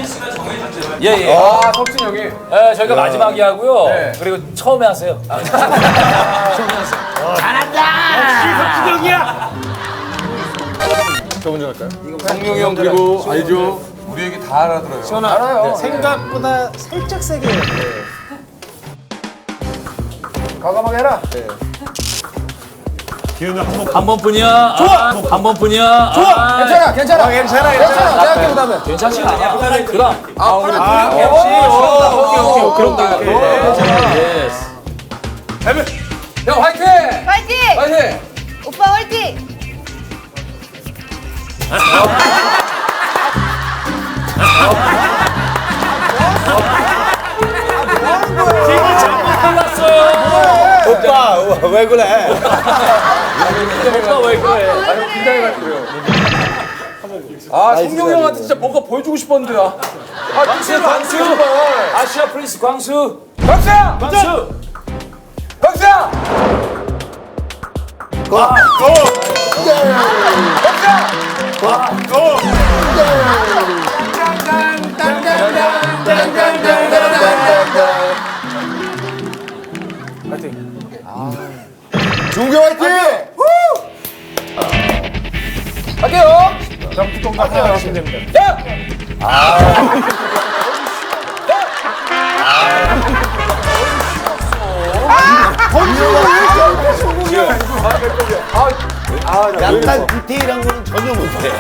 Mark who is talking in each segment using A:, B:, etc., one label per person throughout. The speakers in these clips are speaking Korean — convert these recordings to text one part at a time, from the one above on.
A: 예, 예.
B: 아, 석진 형이.
A: 예, 저희가 마지막에 하고요.
B: 네.
A: 그리고 처음에 하세요.
B: 저 먼저 할까요? 성룡이 형 그리고 알죠? 우리 얘기 다 알아들어요.
C: 알아요. 생각보다 살짝 세게 해야 돼.
B: 과감하게 해라.
A: 한 번뿐이야. 좋아. 한 번뿐이야.
B: 좋아. 괜찮아, 괜찮아.
C: 괜찮아.
B: 내가 그다음에.
A: 괜찮지 않아. 그럼.
B: 아, 우리
A: 그럼 나. 예스.
B: 형 화이팅!
D: 화이팅!
B: 화이팅!
D: 오빠 화이팅!
C: 오빠 왜 그래?
A: 오빠 왜 그래?
B: 아, 성룡이 형한테 진짜 뭔가 보여주고 싶었는데. 아,
A: 광수, 광수. 아시아 프린스 광수.
B: 박수야!
A: 광수.
B: 박수야!
C: 중교 화이팅!
B: 갈게요.
C: 하시면 됩니다.
B: 야!
C: 약간 디테일한 거는 전혀 못해.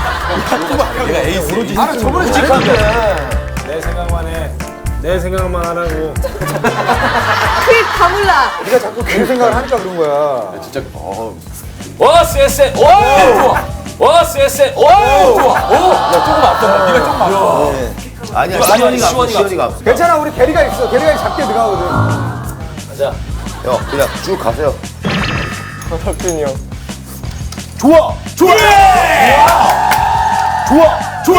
B: 아, 저번에 직한데.
C: 내 생각만 해. 내 생각만 하라고.
D: 다 몰라.
B: 네가 자꾸 그 생각을 하니까 그런 거야. 진짜.
A: 와, 쎄쎄. 오! 와, 쎄쎄. 오!
B: 좋아. 오! 야, 조금 앞섰다. 네가 조금 앞서.
C: 아니야,
A: 시원이가
C: 없어.
B: 괜찮아, 우리 게리가 있어. 게리가 작게 들어가거든.
A: 가자.
C: 형, 그냥 쭉 가세요.
B: 석진이 형.
C: 좋아! 좋아! 좋아! 좋아!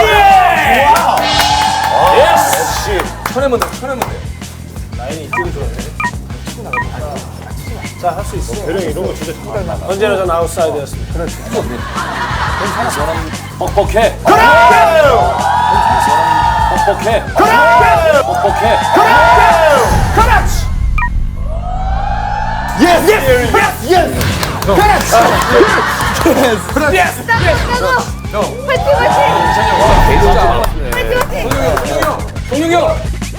A: 예스.
B: 쳐내면 돼, 쳐내면 돼.
C: 자, 할 수 있어. 대령 이런 거 진짜 잘한다. 언제나 전 아웃사이드였습니다. 그렇지.
A: 뻑뻑해. 뻑뻑해. 뻑뻑해.
C: 예스! 예스! 예스!
D: 화이팅 화이팅! 화이팅 화이팅!
B: 동룡이 형.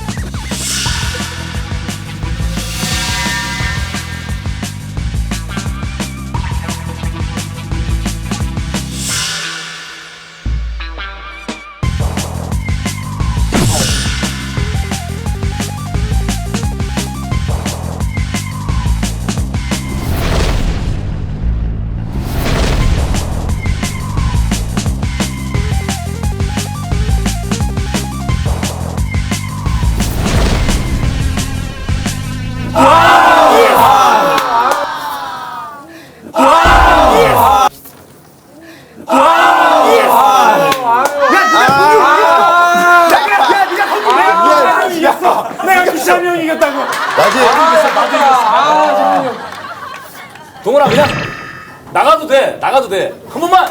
A: 동훈아 그냥 나가도 돼. 나가도 돼. 한 번만.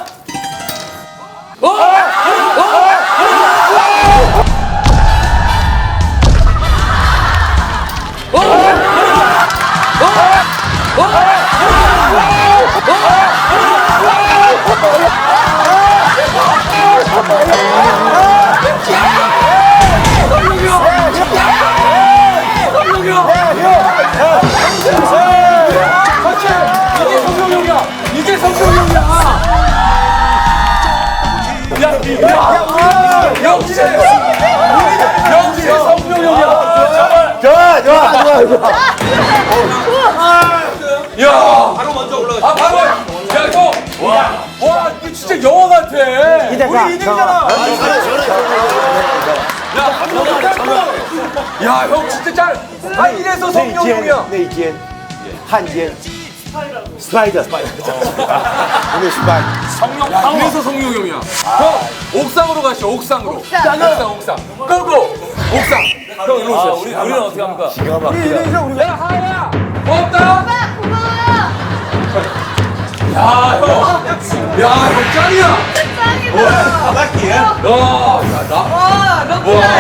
B: 이게 성룡형이야. 역시 성룡형이야.
C: 좋아, 좋아, 좋아, 좋아.
B: 야, 바로 먼저 올라가. 아, 바로. 야, 형. 와, 이거 진짜 영화 같아. 우리 2등이잖아. 야, 형 진짜 잘. 아, 이래서 성룡형이야.
C: 네, 이젠. 한젠. 스파이더, 스파이더. 오늘 스파이더.
A: 성룡.
B: 이래서 성룡형이야. 형, 옥상으로 가시죠. 옥상으로. 옥상. 고고. 옥상. 형 일로 오세요.
A: 우리는 어떻게 합니까?
B: 야, 하야. 고맙다.
D: 오빠 고마워요.
B: 야, 형. 야, 형 짱이야.
D: 짱이다.
B: 야, 나.
D: 와, 럭키
B: 와.